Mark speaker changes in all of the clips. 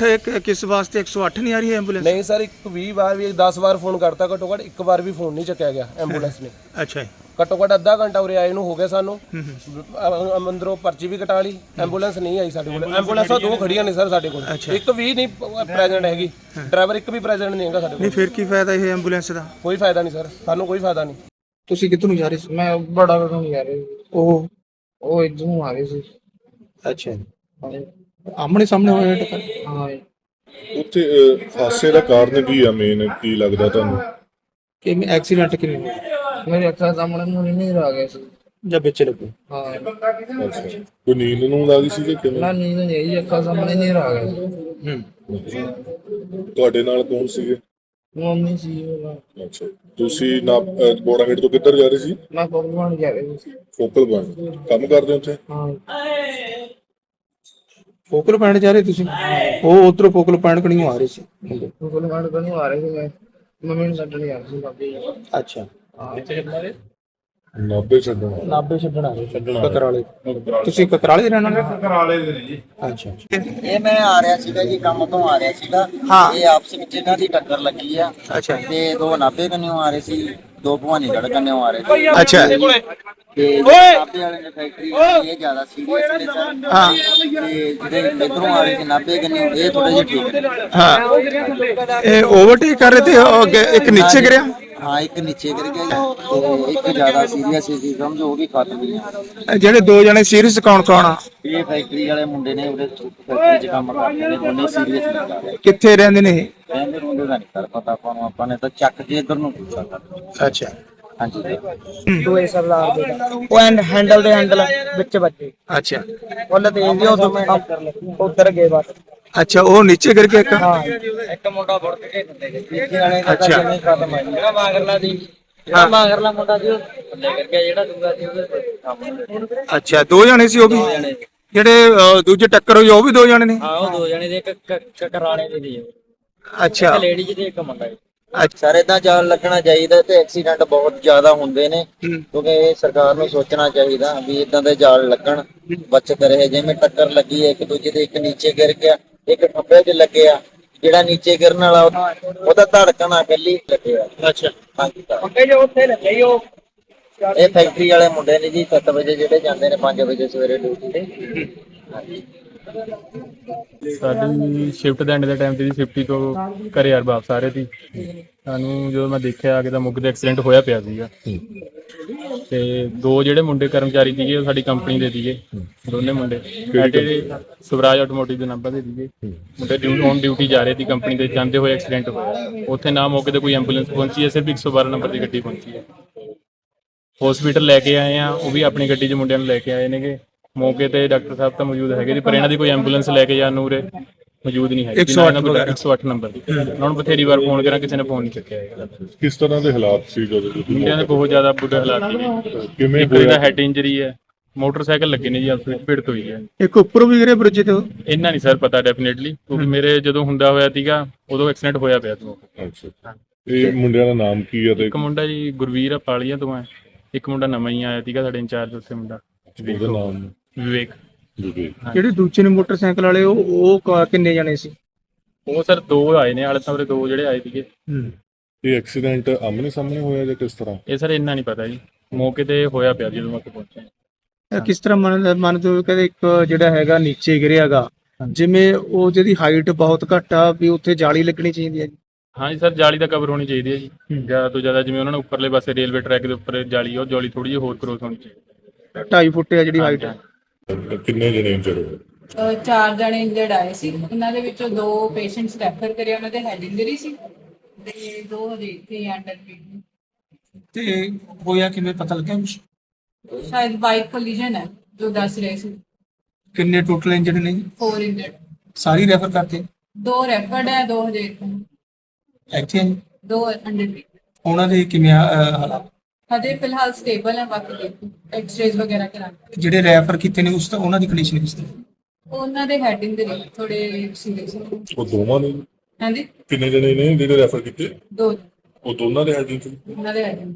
Speaker 1: 108 किस वास्ते 108 नहीं आ रही है एम्बुलेंस?
Speaker 2: नहीं सर, 20 बार भी 10 बार फोन करता, घट्टो घੱਟ ਇੱਕ ਵਾਰ ਵੀ ਫੋਨ ਨਹੀਂ ਚੱਕਿਆ ਗਿਆ ਐਂਬੂਲੈਂਸ ਨੇ।
Speaker 1: अच्छा
Speaker 2: ਘੱਟੋ ਘੱਟ ਅੱਧਾ ਘੰਟਾ ਉਰੇ ਆਏ ਨੂੰ ਹੋ ਗਿਆ ਸਾਨੂੰ। ਅੰਦਰੋਂ ਪਰਚੀ ਵੀ ਕਟਾ ਲਈ, ਐਂਬੂਲੈਂਸ ਨਹੀਂ ਆਈ ਸਾਡੇ ਕੋਲ। ਐਂਬੂਲੈਂਸਾਂ 2 ਖੜੀਆਂ ਨੇ ਸਰ ਸਾਡੇ ਕੋਲ, ਇੱਕ ਵੀ ਨਹੀਂ ਪ੍ਰੈਜ਼ੈਂਟ ਹੈਗੀ, ਡਰਾਈਵਰ ਇੱਕ ਵੀ ਪ੍ਰੈਜ਼ੈਂਟ ਨਹੀਂ ਹੈਗਾ ਸਾਡੇ ਕੋਲ।
Speaker 1: नहीं फिर की फायदा ये एम्बुलेंस का?
Speaker 2: ਕੋਈ ਫਾਇਦਾ ਨਹੀਂ ਸਰ, ਸਾਨੂੰ ਕੋਈ ਫਾਇਦਾ ਨਹੀਂ।
Speaker 1: ਤੁਸੀਂ ਕਿੱਥੋਂ ਨੂੰ ਜਾ ਰਹੇ ਸੀ?
Speaker 3: ਮੈਂ ਬੜਾ ਕਦੋਂ ਜਾ ਰਿਹਾ ਉਹ ਇੱਧਰੋਂ ਆ ਰਹੇ ਸੀ।
Speaker 1: ਅੱਛਾ, ਆਮਣੇ ਸਾਹਮਣੇ ਹੋਇਆ ਟੱਕਰ?
Speaker 3: ਹਾਂ
Speaker 4: ਉੱਥੇ ਹਾਦਸੇ ਦਾ ਕਾਰਨ ਕੀ ਆ, ਮੇਨ ਕੀ ਲੱਗਦਾ ਤੁਹਾਨੂੰ?
Speaker 1: ਕਿ ਐਕਸੀਡੈਂਟ ਕਿਵੇਂ ਹੋਇਆ
Speaker 3: ਮੇਰੇ ਅੱਖਾਂ ਸਾਹਮਣੇ ਨੂੰ ਨਹੀਂ ਆ ਗਿਆ ਸੀ।
Speaker 1: ਜਾਂ ਵਿੱਚ ਲੱਗੋ?
Speaker 3: ਹਾਂ
Speaker 4: ਅੱਛਾ, ਕੋਈ ਨੀਂਦ ਨੂੰ ਲੱਗੀ ਸੀ ਕਿ ਕਿਵੇਂ?
Speaker 3: ਨਾ ਨੀਂਦ ਨਹੀਂ ਆਈ, ਅੱਖਾਂ ਸਾਹਮਣੇ ਨਹੀਂ ਆ ਗਿਆ ਸੀ।
Speaker 4: ਤੁਹਾਡੇ ਨਾਲ ਕੌਣ ਸੀਗੇ?
Speaker 3: ਮੰਮੀ ਸੀ ਉਹ।
Speaker 4: ਅੱਛਾ, ਤੁਸੀਂ ਨਾ ਬੋੜਾਗੇਟ ਤੋਂ ਕਿੱਧਰ ਜਾ ਰਹੇ ਸੀ?
Speaker 3: ਮੈਂ ਪਕਵਾਨ ਜਾ ਰਿਹਾ ਸੀ।
Speaker 4: ਫੋਕਲ ਪੁਆਇੰਟ ਕੰਮ ਕਰਦੇ ਉੱਥੇ?
Speaker 3: ਹਾਂ
Speaker 1: ਫੋਕਲ ਪੁਆਇੰਟ ਜਾ ਰਹੇ ਤੁਸੀਂ? ਉਹ ਉਧਰੋਂ ਫੋਕਲ ਪੁਆਇੰਟ ਕਣੀਓ ਆ ਰਹੇ ਸੀ?
Speaker 3: ਪਕਵਾਨ ਕਦੋਂ ਆ ਰਹੇ ਸੀ, ਮੈਂ ਮੰਮੀ ਨੂੰ ਛੱਡਣ ਜਾ ਰਿਹਾ ਸੀ ਬਾਬੇ।
Speaker 1: ਅੱਛਾ,
Speaker 4: ਨਾਭੇ ਛੱਡਣਾ?
Speaker 1: ਨਾਭੇ ਛੱਡਣ ਆ ਰਹੇ ਕਕਰਾਲੇ? ਤੁਸੀਂ ਕਕਰਾਲੇ ਦੇ ਰਹਿਣ ਵਾਲੇ?
Speaker 5: ਕਕਰਾਲੇ ਦੇ ਨੇ ਜੀ।
Speaker 1: ਅੱਛਾ,
Speaker 6: ਇਹ ਮੈਂ ਆ ਰਿਹਾ ਸੀਗਾ ਜੀ, ਕੰਮ ਤੋਂ ਆ ਰਿਹਾ ਸੀਗਾ। ਇਹ ਆਪਸ ਵਿੱਚ ਇਹਨਾਂ ਦੀ ਟੱਕਰ ਲੱਗੀ ਆ।
Speaker 1: ਅੱਛਾ
Speaker 6: ਤੇ 2 ਨਾਭੇ ਕੰਨਿਓ ਆ ਰਹੇ ਸੀ, 2 ਭਵਾਨੀਗੜ੍ਹ ਕੰਨਿਓ ਆ ਰਹੇ ਸੀ।
Speaker 1: ਅੱਛਾ
Speaker 6: ਤੇ ਨਾਭੇ ਵਾਲੇ ਨੇ ਫੈਕਟਰੀ ਇਹ ਜ਼ਿਆਦਾ ਸੀਰੀਅਸ ਨੇ ਸਰ।
Speaker 1: ਹਾਂ
Speaker 6: ਤੇ ਜਿਹੜੇ ਇੱਧਰੋਂ ਆ ਰਹੇ ਸੀ ਨਾਭੇ ਕੰਨਿਓ, ਇਹ ਥੋੜੇ ਜਿਹੇ ਠੀਕ ਨੇ।
Speaker 1: ਹਾਂ, ਇਹ ਓਵਰਟੇਕ ਕਰ ਰਹੇ ਤੇ ਉਹ ਅੱਗੇ ਇੱਕ ਨੀਚੇ ਗਿਰਿਆ?
Speaker 6: ਹਾਂ, ਇੱਕ ਨੀਚੇ ਗਿਰ ਗਿਆ ਤੇ ਇੱਕ ਜ਼ਿਆਦਾ ਸੀਰੀਅਸ ਸੀ, ਸਮਝੋ ਉਹ ਵੀ ਖਤਮ ਹੀ ਆ।
Speaker 1: ਜਿਹੜੇ 2 ਜਣੇ ਸੀਰੀਅਸ ਕੌਣ ਕੌਣ ਆ?
Speaker 6: ਇਹ ਫੈਕਟਰੀ ਵਾਲੇ ਮੁੰਡੇ ਨੇ, ਉਹਦੇ ਫੈਕਟਰੀ 'ਚ ਕੰਮ ਕਰਦੇ ਨੇ, ਦੋਨੇ ਸੀਰੀਅਸ ਨੇ ਜ਼ਿਆਦਾ।
Speaker 1: ਕਿੱਥੇ ਰਹਿੰਦੇ ਨੇ ਇਹ?
Speaker 6: ਕਹਿੰਦੇ ਮੁੰਡੇ ਦਾ ਨਹੀਂ ਕਰ ਪਤਾ ਆਪਾਂ ਨੂੰ, ਆਪਾਂ ਨੇ ਤਾਂ ਚੱਕ ਕੇ ਇੱਧਰ ਨੂੰ ਪੁੱਛਿਆ ਕਰ।
Speaker 1: ਅੱਛਾ,
Speaker 6: ਹਾਂਜੀ
Speaker 3: ਦੋਏ ਸਰਦਾਰ ਦੇ ਉਹ ਹੈਂਡਲ ਦੇ ਹੈਂਡਲ ਵਿੱਚ ਵੱਜੇ।
Speaker 1: ਅੱਛਾ
Speaker 3: ਉਹਲੇ ਤੇ ਇਹ ਉਧਰ ਗਏ ਬਸ।
Speaker 1: ਅੱਛਾ, ਉਹ ਨੀਚੇ ਗਿਰ ਕੇ ਇੱਕ?
Speaker 3: ਇੱਕ ਮੁੰਡਾ ਵੜ ਕੇ ਥੱਲੇ ਗਿਆ। ਤੀਜੇ ਵਾਲੇ ਦਾ
Speaker 1: ਅੱਛਾ।
Speaker 3: ਜਿਵੇਂ ਖਤਮ ਆ ਜਿਹੜਾ ਮਾਗਰਲਾ ਦੀ, ਜਿਹੜਾ ਮਾਗਰਲਾ ਮੁੰਡਾ ਸੀ ਉਹ ਥੱਲੇ ਗਿਰ ਗਿਆ, ਜਿਹੜਾ ਦੂਜਾ ਸੀ ਉਹਦੇ ਸਾਹਮਣੇ।
Speaker 1: ਅੱਛਾ, 2 ਜਣੇ ਸੀ ਉਹ ਵੀ? ਜਿਹੜੇ ਦੂਜੇ ਟੱਕਰ ਹੋਈ ਉਹ ਵੀ 2 ਜਣੇ ਨੇ?
Speaker 3: ਹਾਂ ਉਹ 2 ਜਣੇ ਦੇ, ਇੱਕ ਕਕਰਾਣੇ ਦੇ ਸੀ,
Speaker 1: ਅੱਛਾ
Speaker 3: ਇੱਕ ਲੇਡੀ ਤੇ ਇੱਕ ਮੁੰਡਾ।
Speaker 6: ਸਰ ਏਦਾਂ ਜਾਲ ਲੱਗਣਾ ਚਾਹੀਦਾ ਤੇ ਐਕਸੀਡੈਂਟ ਬਹੁਤ ਜ਼ਿਆਦਾ ਹੁੰਦੇ ਨੇ, ਕਿਉਂਕਿ ਇਹ ਸਰਕਾਰ ਨੂੰ ਸੋਚਣਾ ਚਾਹੀਦਾ ਵੀ ਇਦਾਂ ਦੇ ਜਾਲ ਲੱਗਣ, ਬਚਤ ਰਹੇ। ਜਿਵੇਂ ਟੱਕਰ ਲੱਗੀ ਹੈ ਇੱਕ ਦੂਜੇ ਦੇ, ਇੱਕ ਨੀਚੇ ਗਿਰ ਗਿਆ, ਇੱਕ ਖੱਬੇ 'ਚ ਲੱਗਿਆ। ਜਿਹੜਾ ਨੀਚੇ ਗਿਰਨ ਵਾਲਾ ਉਹਦਾ ਧੜਕਣ ਆ ਪਹਿਲੀ ਲੱਗਿਆ।
Speaker 1: ਅੱਛਾ,
Speaker 6: ਹਾਂਜੀ ਇਹ ਫੈਕਟਰੀ ਵਾਲੇ ਮੁੰਡੇ ਨੇ ਜੀ, 7 ਵਜੇ ਜਿਹੜੇ ਜਾਂਦੇ ਨੇ 5 ਵਜੇ ਸਵੇਰੇ ਡਿਊਟੀ ਤੇ। ਹਾਂਜੀ
Speaker 7: ਸਾਡੀ ਸ਼ਿਫਟ ਦੇ ਐਂਡ ਦੇ ਟਾਈਮ ਤੇ ਜੀ 50 ਤੋਂ ਘਰੇ ਯਾਰ ਵਾਪਸ ਆ ਰਹੇ ਸੀ। ਸਾਨੂੰ ਜਦੋਂ ਮੈਂ ਦੇਖਿਆ ਆ ਕੇ ਤਾਂ ਮੁੱਗ ਦੇ ਐਕਸੀਡੈਂਟ ਹੋਇਆ ਪਿਆ ਸੀਗਾ। ਤੇ 2 ਜਿਹੜੇ ਮੁੰਡੇ ਕਰਮਚਾਰੀ ਸੀਗੇ ਉਹ ਸਾਡੀ ਕੰਪਨੀ ਦੇ ਸੀਗੇ, ਦੋਨੇ ਮੁੰਡੇ ਸਾਡੇ ਸਵਰਾਜ ਆਟੋਮੋਟਿਵ ਦੇ ਨੰਬਰ ਦੇ ਸੀਗੇ। ਮੁੰਡੇ ਔਨ ਡਿਊਟੀ ਜਾ ਰਹੇ ਸੀ ਕੰਪਨੀ ਦੇ, ਜਾਂਦੇ ਹੋਏ ਐਕਸੀਡੈਂਟ ਹੋਇਆ। ਉੱਥੇ ਨਾ ਮੌਕੇ ਤੇ ਕੋਈ ਐਂਬੂਲੈਂਸ ਪਹੁੰਚੀ ਹੈ, ਸਿਰਫ 112 ਨੰਬਰ ਦੀ ਗੱਡੀ ਪਹੁੰਚੀ ਹੈ। ਹਸਪੀਟਲ ਲੈ ਕੇ ਆਏ ਆ, ਉਹ ਵੀ ਆਪਣੀ ਗੱਡੀ 'ਚ ਮੁੰਡਿਆਂ ਨੂੰ ਲੈ ਕੇ ਆਏ ਨੇਗੇ। ਮੌਕੇ ਤੇ ਡਾਕਟਰ ਸਾਹਿਬ ਤਾਂ ਮੌਜੂਦ ਹੈਗੇ ਜੀ, ਪਰ ਇਹਨਾਂ ਦੀ ਕੋਈ ਐਂਬੂਲੈਂਸ ਲੈ ਕੇ ਜਾਣ ਨੂੰ ਉਰੇ ਮੌਜੂਦ ਨਹੀਂ ਹੈਗੀ। 108 ਨੰਬਰ ਦੀ। ਉਹਨਾਂ ਨੂੰ ਬਥੇਰੀ ਵਾਰ ਫੋਨ ਕਰਾਂ, ਕਿਸੇ ਨੇ ਫੋਨ ਨਹੀਂ ਚੱਕਿਆ ਹੈਗਾ।
Speaker 4: ਕਿਸ ਤਰ੍ਹਾਂ ਦੇ ਹਾਲਾਤ ਸੀ ਜਦੋਂ
Speaker 7: ਮੁੰਡਿਆਂ ਦੇ ਬਹੁਤ ਜ਼ਿਆਦਾ ਬੁਰੇ ਹਾਲਾਤ ਨੇ।
Speaker 4: ਕਿਵੇਂ
Speaker 7: ਇੱਕ ਦਾ ਹੈਡ ਇੰਜਰੀ ਹੈ, ਮੋਟਰਸਾਈਕਲ ਲੱਗੇ ਨੇ ਜੀ, ਆਪਸ ਭਿੜਤ ਹੋਈ ਹੈ।
Speaker 1: ਇੱਕ ਉੱਪਰੋਂ ਵੀ ਗਿਰੇ ਬ੍ਰਿਜ ਤੇ?
Speaker 7: ਇੰਨਾ ਨਹੀਂ ਸਰ ਪਤਾ ਡੈਫੀਨੇਟਲੀ, ਕਿਉਂਕਿ ਮੇਰੇ ਜਦੋਂ ਹੁੰਦਾ ਹੋਇਆ ਸੀਗਾ ਉਦੋਂ ਐਕਸੀਡੈਂਟ ਹੋਇਆ ਪਿਆ ਸੀ।
Speaker 4: ਅੱਛਾ, ਇਹ ਮੁੰਡਿਆਂ ਦਾ ਨਾਮ ਕੀ ਹੈ? ਤੇ
Speaker 7: ਇੱਕ ਮੁੰਡਾ ਜੀ ਗੁਰਵੀਰ ਆ ਪਾਲੀਆਂ ਤੋਂ ਹੈ, ਇੱਕ ਮੁੰਡਾ ਨਵਾਂ ਹੀ ਆਇਆ ਸੀਗਾ ਸਾਡੇ ਇੰਚਾਰਜ ਉੱਥੇ ਮੁੰਡਾ
Speaker 4: ਉਹਦਾ ਨਾਮ?
Speaker 7: ਵਿਵੇਕ।
Speaker 1: ਜਿਹੜੇ ਦੂਜੇ ਨੇ ਮੋਟਰਸਾਈਕਲ ਵਾਲੇ ਉਹ ਕਿੰਨੇ ਜਣੇ ਸੀ?
Speaker 7: ਉਹ ਸਰ 2 ਆਏ ਨੇ, ਹਾਲੇ ਤਾਂ ਉਰੇ 2 ਜਿਹੜੇ ਆਏ ਸੀਗੇ।
Speaker 4: ਇਹ ਐਕਸੀਡੈਂਟ ਆਮਨੇ ਸਾਹਮਣੇ ਹੋਇਆ ਜਾਂ ਕਿਸ ਤਰ੍ਹਾਂ?
Speaker 7: ਇਹ ਸਰ ਇੰਨਾ ਨਹੀਂ ਪਤਾ ਜੀ, ਮੌਕੇ ਤੇ ਹੋਇਆ ਪਿਆ ਜਦੋਂ ਉੱਥੇ ਪਹੁੰਚੇ।
Speaker 1: ਕਿਸ ਤਰ੍ਹਾਂ ਮੰਨਦੇ ਹੋ? ਕਹਿੰਦੇ ਇੱਕ ਜਿਹੜਾ ਹੈਗਾ ਨੀਚੇ ਗਿਰਿਆਗਾ, ਜਿਵੇਂ ਉਹ ਜਿਹਦੀ ਹਾਈਟ ਬਹੁਤ ਘੱਟ ਆ, ਵੀ ਉੱਥੇ ਜਾਲੀ ਲੱਗਣੀ ਚਾਹੀਦੀ ਹੈ?
Speaker 7: ਹਾਂਜੀ ਸਰ, ਜਾਲੀ ਦਾ ਕਵਰ ਹੋਣੀ ਚਾਹੀਦੀ ਹੈ ਜੀ, ਜ਼ਿਆਦਾ ਤੋਂ ਜ਼ਿਆਦਾ। ਜਿਵੇਂ ਉਹਨਾਂ ਨੇ ਉੱਪਰਲੇ ਪਾਸੇ ਰੇਲਵੇ ਟਰੈਕ ਦੇ ਉੱਪਰ ਜਾਲੀ, ਉਹ ਜਾਲੀ ਥੋੜੀ ਜਿਹੀ ਹੋਰ ਕਰੋਸ ਹੋਣੀ ਚਾਹੀਦੀ।
Speaker 1: 2.5 ਫੁੱਟ ਆ ਜਿਹੜੀ ਹਾਈਟ?
Speaker 4: ਕਿੰਨੇ ਜਣੇ ਇੰਜਰਡ ਹੋਏ?
Speaker 8: 4 ਜਣੇ ਇੰਜਰਡ ਆਏ ਸੀ, ਉਹਨਾਂ ਦੇ ਵਿੱਚੋਂ 2 ਪੇਸ਼ੈਂਟਸ ਰੈਫਰ ਕਰੇ, ਉਹਨਾਂ ਦੇ ਹੈਡ ਇੰਜਰੀ ਸੀ ਤੇ 2 ਹਜੇ ਇੱਥੇ ਅੰਡਰ ਟ੍ਰੀਟਮੈਂਟ।
Speaker 1: ਤੇ ਹੋਇਆ ਕਿਵੇਂ, ਪਤਾ ਲੱਗਿਆ ਕੁਛ?
Speaker 8: ਸ਼ਾਇਦ ਬਾਈਕ ਕੋਲੀਜਨ ਹੈ ਜੋ ਦੱਸ ਰਹੇ ਸੀ।
Speaker 1: ਕਿੰਨੇ ਟੋਟਲ ਇੰਜਰਡ ਨੇ?
Speaker 8: 4 ਇੰਜਰਡ।
Speaker 1: ਸਾਰੀ ਰੈਫਰ ਕਰਤੇ?
Speaker 8: 2 ਰੈਫਰਡ ਹੈ, 2 ਹਜੇ
Speaker 1: ਇੱਥੇ ਆ ਜੀ?
Speaker 8: 2 ਅੰਡਰ ਟ੍ਰੀਟਮੈਂਟ।
Speaker 1: ਉਹਨਾਂ ਦੇ ਕਿਵੇਂ ਹਾਲਾਤ?
Speaker 8: ਹਜੇ ਫਿਲਹਾਲ ਸਟੇਬਲ ਹੈ, ਬਾਕੀ ਦੇਖੋ ਐਕਸ-ਰੇਜ਼ ਵਗੈਰਾ ਕਰਾਂਗੇ।
Speaker 1: ਜਿਹੜੇ ਰੈਫਰ ਕੀਤੇ ਨੇ ਉਹਨਾਂ ਦੀ ਕੰਡੀਸ਼ਨ ਕਿਸ ਤਰ੍ਹਾਂ?
Speaker 8: ਉਹਨਾਂ ਦੇ ਹੈਡ ਇੰਜਰੀ ਥੋੜੇ ਸੀਰੀਅਸ ਹੈ।
Speaker 4: ਉਹ ਦੋਵਾਂ ਨੇ?
Speaker 8: ਹਾਂਜੀ,
Speaker 4: ਕਿੰਨੇ ਜਣੇ ਨੇ ਜਿਹੜੇ ਰੈਫਰ ਕੀਤੇ?
Speaker 8: 2
Speaker 4: ਉਹ ਦੋਨਾਂ ਦੇ ਹੈਡ ਇੰਜਰੀ?
Speaker 8: ਉਹਨਾਂ ਦੇ ਹੈਡ ਇੰਜਰੀ।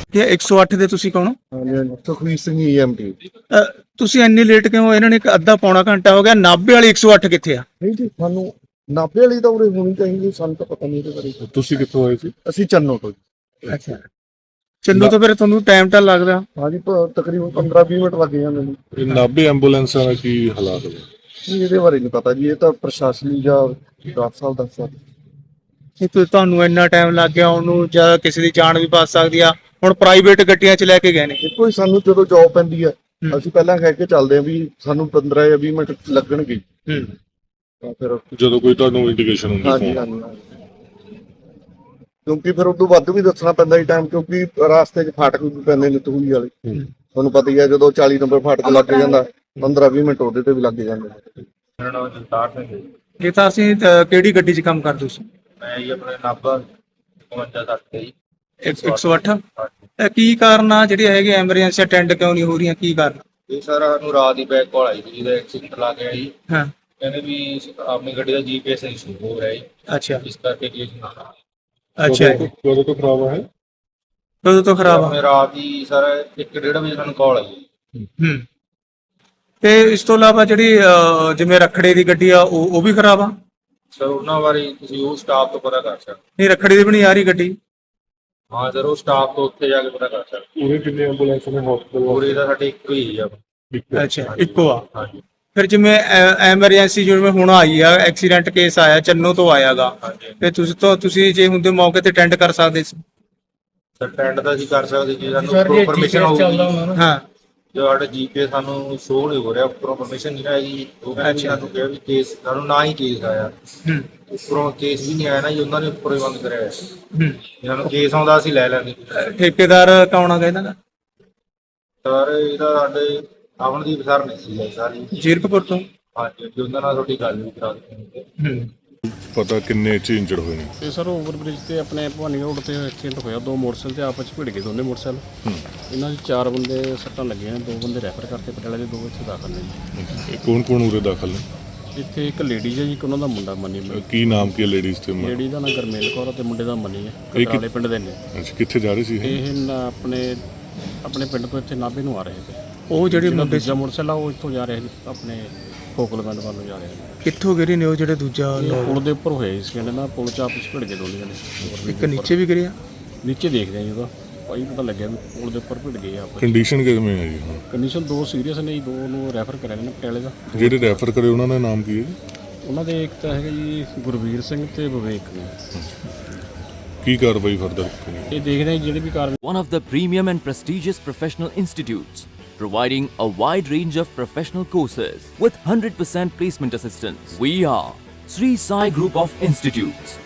Speaker 1: ਕਿ 108 ਦੇ ਤੁਸੀਂ ਕੌਣ ਹੋ?
Speaker 5: ਸੁਖਵੀਰ ਸਿੰਘ EMT।
Speaker 1: ਤੁਸੀਂ ਇੰਨੀ ਲੇਟ ਕਿਉਂ? ਇਹਨਾਂ ਨੇ ਇੱਕ ਅੱਧਾ ਪੌਣਾ ਘੰਟਾ ਹੋ ਗਿਆ। ਨਾਭੇ ਵਾਲੀ 108 ਕਿੱਥੇ ਆ?
Speaker 5: ਨਹੀਂ ਜੀ, ਸਾਨੂੰ ਨਾਭੇ ਵਾਲੀ ਤਾਂ ਉਰੇ ਹੋਣੀ ਚਾਹੀਦੀ, ਸਾਨੂੰ ਤਾਂ ਪਤਾ ਨਹੀਂ ਇਹਦੇ ਬਾਰੇ।
Speaker 4: ਤੁਸੀਂ ਕਿੱਥੋਂ ਆਏ ਸੀ?
Speaker 5: ਅਸੀਂ ਚੰਨੋ ਤੋਂ ਜੀ।
Speaker 1: ਅੱਛਾ, ਚੰਨੂ ਤੋਂ ਫਿਰ ਤੁਹਾਨੂੰ ਟਾਈਮ ਤਾਂ ਲੱਗਦਾ?
Speaker 5: ਹਾਂਜੀ, ਤਕਰੀਬਨ 15-20 ਮਿੰਟ ਲੱਗ ਜਾਂਦੇ ਨੇ।
Speaker 4: ਇਹ ਨਾਭੇ ਐਂਬੂਲੈਂਸਾਂ ਦਾ ਕੀ ਹਾਲਾਤ ਹੈ?
Speaker 5: ਨਹੀਂ, ਇਹਦੇ ਬਾਰੇ ਨਹੀਂ ਪਤਾ ਜੀ, ਇਹ ਤਾਂ ਪ੍ਰਸ਼ਾਸਨੀ ਜਾਂ ਡਾਕਟਰ ਸਾਹਿਬ ਦੱਸ ਸਕਦੇ।
Speaker 1: ਇਹ ਤੁਹਾਨੂੰ ਇੰਨਾ ਟਾਈਮ ਲੱਗ ਗਿਆ ਉਹਨੂੰ, ਜਾਂ ਕਿਸੇ ਦੀ ਜਾਨ ਵੀ ਬਚ ਸਕਦੀ ਆ। ਹੁਣ ਪ੍ਰਾਈਵੇਟ ਗੱਡੀਆਂ 'ਚ ਲੈ ਕੇ ਗਏ ਨੇ।
Speaker 5: ਦੇਖੋ ਜੀ, ਸਾਨੂੰ ਜਦੋਂ ਜੌਬ ਪੈਂਦੀ ਹੈ ਅਸੀਂ ਪਹਿਲਾਂ ਕਹਿ ਕੇ ਚੱਲਦੇ ਹਾਂ ਵੀ ਸਾਨੂੰ 15 ਜਾਂ 20 ਮਿੰਟ ਲੱਗਣਗੇ, ਤਾਂ ਫਿਰ
Speaker 4: ਜਦੋਂ ਕੋਈ ਤੁਹਾਨੂੰ ਇੰਡੀਕੇਸ਼ਨ ਹੁੰਦੀ
Speaker 5: ਹਾਂਜੀ
Speaker 4: phone?
Speaker 5: ਹਾਂਜੀ, ਕਿਉਂਕਿ ਫਿਰ ਉਦੋਂ ਵੱਧ ਵੀ ਦੱਸਣਾ ਪੈਂਦਾ ਜੀ ਟਾਈਮ, ਕਿਉਂਕਿ ਰਾਸਤੇ 'ਚ ਫਾਟਕ ਵੀ ਪੈਂਦੇ ਨੇ ਤੂੜੀ ਵਾਲੇ। ਤੁਹਾਨੂੰ ਪਤਾ ਹੀ ਹੈ, ਜਦੋਂ 40 ਨੰਬਰ ਫਾਟਕ ਲੱਗ ਜਾਂਦਾ 15-20 ਮਿੰਟ ਉਹਦੇ ਤੇ ਵੀ ਲੱਗ ਜਾਂਦੇ ਨੇ।
Speaker 7: ਮੇਰਾ ਨਾਮ ਜਗਤਾਰ ਸਿੰਘ ਹੈ ਜੀ।
Speaker 1: ਇਹ ਤਾਂ ਅਸੀਂ ਕਿਹੜੀ ਗੱਡੀ 'ਚ ਕੰਮ ਕਰਦੇ ਸੀ?
Speaker 7: ਮੈਂ ਜੀ ਆਪਣੇ ਨਾਭਾ 52 ਤੇ ਜੀ
Speaker 1: 108। ਕੀ ਕਾਰਨ ਆ ਜਿਹੜੀ ਹੈਗੀ ਐਮਰਜੈਂਸੀ ਅਟੈਂਡ ਕਿਉਂ ਨਹੀਂ ਹੋ ਰਹੀਆਂ? ਕੀ ਕਾਰਨ?
Speaker 7: ਇਹ ਸਰ ਸਾਨੂੰ ਰਾਤ ਦੀ ਬੈਕ ਕਾਲ ਆਈ ਸੀ, ਜਿਹਦਾ ਐਕਸੀਡੈਂਟ ਲੱਗ ਗਿਆ ਜੀ।
Speaker 1: ਹਾਂ,
Speaker 7: ਕਹਿੰਦੇ ਵੀ ਆਪਣੀ ਗੱਡੀ ਦਾ GPS ਇਸ਼ੂ ਹੋ ਰਿਹਾ ਜੀ,
Speaker 1: ਅੱਛਾ
Speaker 7: ਇਸ ਕਰਕੇ ਕੇਸ ਨਾ ਕਰਾ।
Speaker 1: ਅੱਛਾ।
Speaker 4: ਕਦੋਂ ਤੋਂ ਖਰਾਬ ਹੈ?
Speaker 1: ਕਦੋਂ ਤੋਂ ਖਰਾਬ ਆ?
Speaker 7: ਆਪਣੇ ਰਾਤ ਦੀ ਸਰ 1-1:30 ਵਜੇ ਸਾਨੂੰ ਕਾਲ ਆਈ।
Speaker 1: ਤੇ ਇਸ ਤੋਂ ਇਲਾਵਾ ਜਿਹੜੀ ਜਿਵੇਂ ਰੱਖੜੇ ਦੀ ਗੱਡੀ ਆ ਉਹ ਵੀ ਖਰਾਬ ਆ?
Speaker 7: ਸਰ ਉਹਨਾਂ ਬਾਰੇ ਤੁਸੀਂ ਉਹ ਸਟਾਫ ਤੋਂ ਪਤਾ ਕਰ ਸਕਦੇ।
Speaker 1: ਨਹੀਂ, ਰੱਖੜੇ ਦੀ ਵੀ ਨਹੀਂ ਆ ਰਹੀ ਗੱਡੀ?
Speaker 7: ਹਾਂ ਸਰ, ਉਹ ਸਟਾਫ ਤੋਂ ਉੱਥੇ ਜਾ ਕੇ ਪਤਾ ਕਰ ਸਕਦੇ।
Speaker 4: ਪੂਰੇ ਕਿੰਨੇ ਐਂਬੂਲੈਂਸ ਨੇ ਹਸਪਤਾਲ?
Speaker 7: ਪੂਰੇ ਦਾ ਸਾਡੇ ਇੱਕੋ ਹੀ ਆ।
Speaker 1: ਅੱਛਾ, ਇੱਕੋ ਆ।
Speaker 7: ਹਾਂਜੀ
Speaker 1: ਫਿਰ ਜਿਵੇਂ ਐਮਰਜੈਂਸੀ ਜਿਵੇਂ ਹੁਣ ਆਈ ਆ, ਐਕਸੀਡੈਂਟ ਕੇਸ ਆਇਆ, ਚੰਨੋ ਤੋਂ ਆਇਆਗਾ, ਤੇ ਤੁਸੀਂ ਜੇ ਹੁੰਦੇ ਮੌਕੇ ਤੇ ਅਟੈਂਡ ਕਰ ਸਕਦੇ ਸੀ?
Speaker 7: ਸਰ ਟੈਂਡ ਦਾ ਅਸੀਂ ਕਰ ਸਕਦੇ ਜੀ, ਸਾਨੂੰ ਪਰਮਿਸ਼ਨ ਹੋਊਗੀ।
Speaker 1: ਹਾਂ,
Speaker 7: ਜੋ ਸਾਡਾ GPS ਸਾਨੂੰ ਸ਼ੋਅ ਨਹੀਂ ਹੋ ਰਿਹਾ, ਉੱਪਰੋਂ ਪਰਮਿਸ਼ਨ ਨਹੀਂ ਆਈ। ਉਹ ਕਹਿੰਦੇ ਸਾਨੂੰ ਕਿਹਾ ਵੀ ਕੇਸ ਸਾਨੂੰ ਨਾ ਹੀ ਕੇਸ ਆਇਆ, ਉੱਪਰੋਂ ਕੇਸ ਵੀ ਨਹੀਂ ਆਇਆ ਨਾ ਜੀ, ਉਹਨਾਂ ਨੇ ਉੱਪਰੋਂ ਹੀ ਬੰਦ ਕਰਿਆ ਹੋਇਆ। ਇਹਨਾਂ ਨੂੰ ਕੇਸ ਆਉਂਦਾ ਅਸੀਂ ਲੈ ਲੈਂਦੇ।
Speaker 1: ਠੇਕੇਦਾਰ ਕੌਣ ਆ ਇਹਨਾਂ ਦਾ?
Speaker 7: ਸਰ ਇਹਦਾ ਸਾਡੇ ਅਮਨਦੀਪ ਸਰ ਨੇ ਸੀ ਸਾਰੀ
Speaker 1: ਜੀਰਕਪੁਰ ਤੋਂ।
Speaker 7: ਹਾਂਜੀ, ਉਹਨਾਂ ਨਾਲ ਤੁਹਾਡੀ ਗੱਲ ਵੀ ਕਰਾ ਦਿੱਤੀ।
Speaker 4: ਪਤਾ ਕਿੰਨੇ ਚ ਇੰਜਰਡ ਹੋਏ ਨੇ?
Speaker 9: ਇਹ ਸਰ ਓਵਰਬ੍ਰਿਜ ਤੇ ਆਪਣੇ ਭਵਾਨੀ ਰੋਡ ਤੇ ਐਕਸੀਡੈਂਟ ਹੋਇਆ। ਦੋ ਮੋਟਰਸਾਈਕਲ ਤੇ ਆਪਸ ਵਿੱਚ ਭਿੜ ਗਏ, ਦੋਨੇ ਮੋਟਰਸਾਈਕਲ। ਇਹਨਾਂ ਦੇ 4 ਬੰਦੇ ਸੱਟਾਂ ਲੱਗੀਆਂ ਨੇ, 2 ਬੰਦੇ ਰੈਫਰ ਕਰਤੇ ਪਟਿਆਲੇ ਦੇ, 2 ਇੱਥੇ ਦਾਖਲ ਨੇ ਜੀ।
Speaker 4: ਇਹ ਕੌਣ ਉਰੇ ਦਾਖਲ ਨੇ?
Speaker 9: ਇੱਥੇ ਇੱਕ ਲੇਡੀਜ਼ ਹੈ ਜੀ, ਇੱਕ ਉਹਨਾਂ ਦਾ ਮੁੰਡਾ ਮਨੀ।
Speaker 4: ਕੀ ਨਾਮ ਕੀ ਲੇਡੀਜ਼ ਤੇ?
Speaker 9: ਲੇਡੀ ਦਾ ਨਾਂ ਗਰਮੇਲ ਕੌਰ ਤੇ ਮੁੰਡੇ ਦਾ ਮਨੀ ਹੈ,
Speaker 4: ਇਹ
Speaker 9: ਕਟਰਾਲੇ ਪਿੰਡ ਦੇ ਨੇ।
Speaker 4: ਅੱਛਾ, ਕਿੱਥੇ ਜਾ ਰਹੇ ਸੀ ਇਹ?
Speaker 9: ਇਹ ਆਪਣੇ ਪਿੰਡ ਤੋਂ ਇੱਥੇ ਨਾਭੇ ਨੂੰ ਆ ਰਹੇ ਸੀ।
Speaker 1: ਉਹ ਜਿਹੜੇ ਮੁੰਡੇ
Speaker 9: ਦੂਜਾ ਮੋਟਰਸਾਈਕਲ ਆ ਉਹ ਇੱਥੋਂ ਜਾ ਰਿਹਾ ਸੀ, ਆਪਣੇ ਫੋਕਲਮੈਂਟ ਵੱਲ ਨੂੰ ਜਾ ਰਿਹਾ ਸੀ।
Speaker 1: ਕਿੱਥੋਂ ਗਿਰੇ ਨੇ ਉਹ ਜਿਹੜੇ ਦੂਜਾ?
Speaker 9: ਪੁਲ ਦੇ ਉੱਪਰ ਹੋਇਆ ਸੀ, ਕਹਿੰਦੇ ਨਾ ਪੁਲ 'ਚ ਆਪਸ ਭਿੜ ਗਏ ਦੋਨੇ ਜਣੇ।
Speaker 1: ਇੱਕ ਨੀਚੇ ਵੀ ਗਿਰਿਆ?
Speaker 9: ਨੀਚੇ ਦੇਖਦੇ ਆ ਜੀ, ਉਹਦਾ ਭਾਈ ਪਤਾ ਲੱਗਿਆ ਵੀ ਪੁਲ ਦੇ ਉੱਪਰ ਭਿੜ ਗਏ ਆਪਸ।
Speaker 4: ਕੰਡੀਸ਼ਨ ਕਿਵੇਂ ਹੈ ਜੀ ਹੁਣ?
Speaker 9: ਕੰਡੀਸ਼ਨ 2 ਸੀਰੀਅਸ ਨੇ ਜੀ, 2 ਨੂੰ ਰੈਫਰ ਕਰਿਆ ਨੇ ਪਟਿਆਲੇ ਦਾ।
Speaker 4: ਜਿਹੜੇ ਰੈਫਰ ਕਰੇ ਉਹਨਾਂ ਦਾ ਨਾਮ ਕੀ ਹੈ ਜੀ?
Speaker 9: ਉਹਨਾਂ ਦੇ ਇੱਕ ਤਾਂ ਹੈਗਾ ਜੀ ਗੁਰਵੀਰ ਸਿੰਘ ਤੇ ਵਿਵੇਕ ਨੇ।
Speaker 4: ਕੀ ਕਾਰਵਾਈ ਫਰਦਰ?
Speaker 9: ਇਹ ਦੇਖਦੇ ਆ ਜਿਹੜੇ ਵੀ ਕਾਰਵਾਈ।
Speaker 10: One of the premium and prestigious professional institutes, providing a wide range of professional courses with 100% placement assistance. We are Sri Sai Group of Institutes.